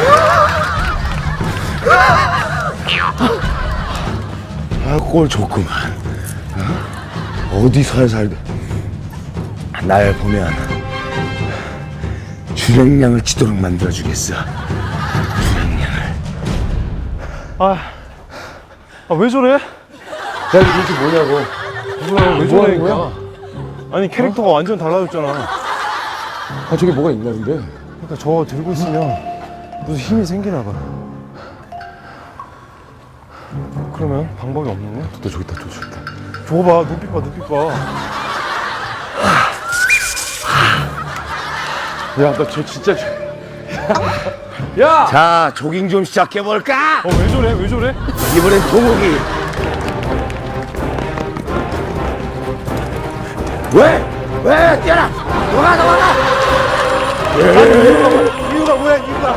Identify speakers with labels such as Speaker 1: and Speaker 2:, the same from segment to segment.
Speaker 1: 아, 꼴 좋구만. 어디 살살 날 보면 주랭량을 치도록 만들어주겠어. 주랭량을.
Speaker 2: 왜 저래?
Speaker 1: 야, 이게 도대체 뭐냐고.
Speaker 2: 뭐야, 왜
Speaker 1: 뭐
Speaker 2: 저래,
Speaker 1: 하는 거야?
Speaker 2: 이거? 아니, 캐릭터가 완전 달라졌잖아.
Speaker 1: 아, 저게 뭐가 있나 근데?
Speaker 2: 그러니까 저거 들고 있으면 무슨 힘이 생기나 봐. 그러면 방법이 없는 거야?
Speaker 1: 또 저기 있다, 또 저기 있다.
Speaker 2: 저거 봐, 눈빛 봐, 눈빛 봐. 야, 나 저 진짜. 야!
Speaker 1: 자, 조깅 좀 시작해볼까?
Speaker 2: 왜 저래? 왜 저래?
Speaker 1: 이번엔 동욱이. 왜? 뛰어라! 넘어가!
Speaker 2: 이유가 뭐야, 이유가?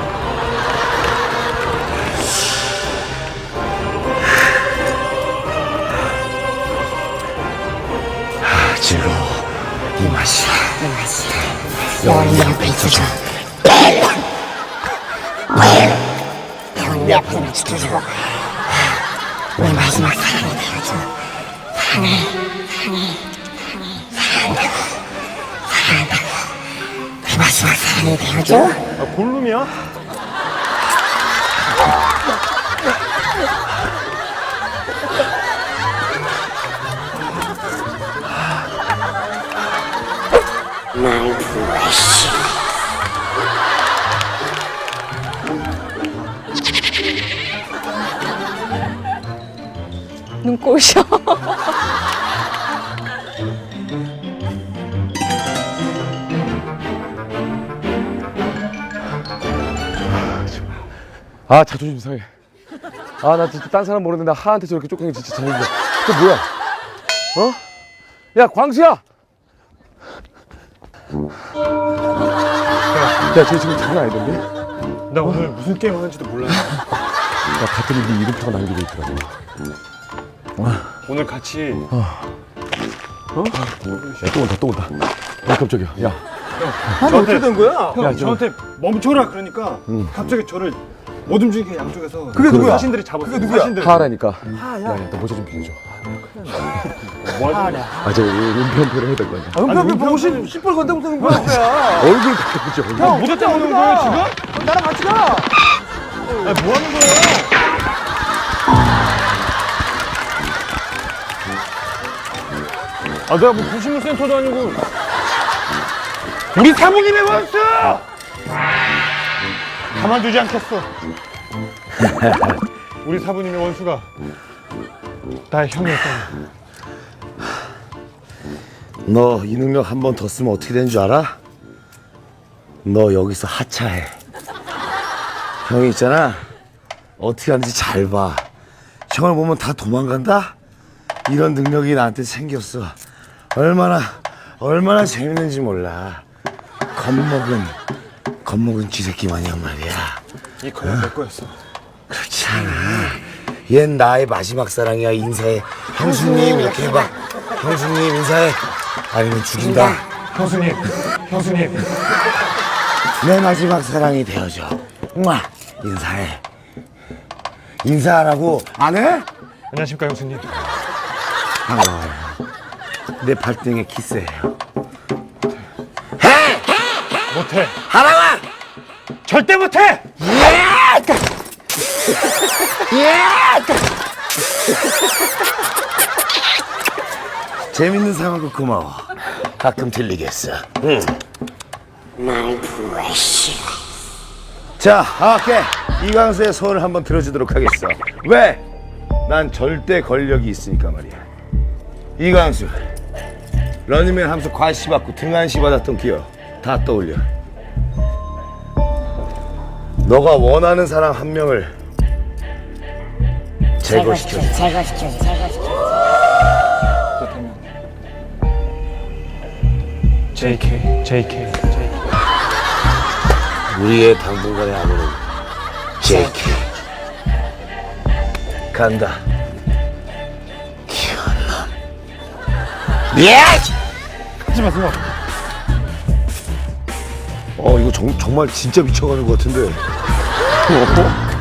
Speaker 1: 즐거워. 이 맛이야.
Speaker 3: 넌 옆에 있어줘. 넌 옆에 지켜주고 내 마지막 사랑이 되어줘. 사랑한다고. 내 마지막 사랑이 되어줘.
Speaker 2: 골룸이야?
Speaker 3: 날 부르시.
Speaker 4: 눈꼬셔.
Speaker 1: 아, 자존심 상해. 아, 나 진짜 딴 사람 모르는데 나 하한테 저렇게 쫓기는 게 진짜 자존심. 그 뭐야? 야, 광수야! 야, 쟤 지금 장난 아니던데?
Speaker 2: 나 오늘 무슨 게임 하는지도 몰라.
Speaker 1: 야, 봤더니 네 이름표가 남겨져 있더라고.
Speaker 2: 오늘 같이.
Speaker 1: 야, 또 온다. 야, 깜짝이야. 야,
Speaker 2: 어떻게 된 거야?
Speaker 1: 야,
Speaker 2: 형, 저한테 멈춰라 그러니까 갑자기 저를 못 움직이게 양쪽에서.
Speaker 1: 그게 누구야?
Speaker 2: 사신들이 잡았어. 그게 누구야? 사신들.
Speaker 1: 하하라니까. 야, 너 모자 좀 빌려줘.
Speaker 2: 뭐 하냐?
Speaker 1: 아, 저 은폐 해야 될 거 아니야.
Speaker 2: 은폐 보고 시뻘건데 무슨 거야?
Speaker 1: 얼굴 가려보자, 얼굴.
Speaker 2: 형, 모자 때문에 오는 거예요, 지금? 나랑 같이 가! 아니, 뭐 하는 거예요? 내가 뭐 구신물 센터도 아니고. 우리 사부님의 원수! 가만두지 않겠어. 우리 사부님의 원수가 나의 형이었잖아.
Speaker 1: 너 이 능력 한 번 더 쓰면 어떻게 되는 줄 알아? 너 여기서 하차해. 형이 있잖아. 어떻게 하는지 잘 봐. 형을 보면 다 도망간다? 이런 능력이 나한테 생겼어. 얼마나 재밌는지 몰라. 겁먹은 쥐새끼 마냥 말이야.
Speaker 2: 이 거는 내 거였어.
Speaker 1: 그렇지 않아. 얜 나의 마지막 사랑이야. 인사해. 형수님 이렇게 해봐. 형수님 인사해. 아니면 죽인다.
Speaker 2: 형수님.
Speaker 1: 내 마지막 사랑이 되어줘. 인사해. 인사하라고. 안 해?
Speaker 2: 안녕하십니까, 형수님.
Speaker 1: 반가워요. 내 발등에 키스해요.
Speaker 2: 못해.
Speaker 1: 하라고!
Speaker 2: 절대 못해!
Speaker 1: 재밌는 상황도 고마워. 가끔 들리겠어. 응.
Speaker 3: 날 부르시.
Speaker 1: 자, 오케이. 이광수의 소원을 한번 들어주도록 하겠어. 왜? 난 절대 권력이 있으니까 말이야. 이광수, 런닝맨 하면서 과시 받고 등한시 받았던 기억 다 떠올려. 너가 원하는 사람 한 명을 제거시켜줘.
Speaker 3: 제거시켜줘.
Speaker 2: JK.
Speaker 1: 우리의 당분간의 암호는 JK. 간다. 기현남. 예!
Speaker 2: 하지 마세요.
Speaker 1: 이거 정말 진짜 미쳐가는 것 같은데. 어?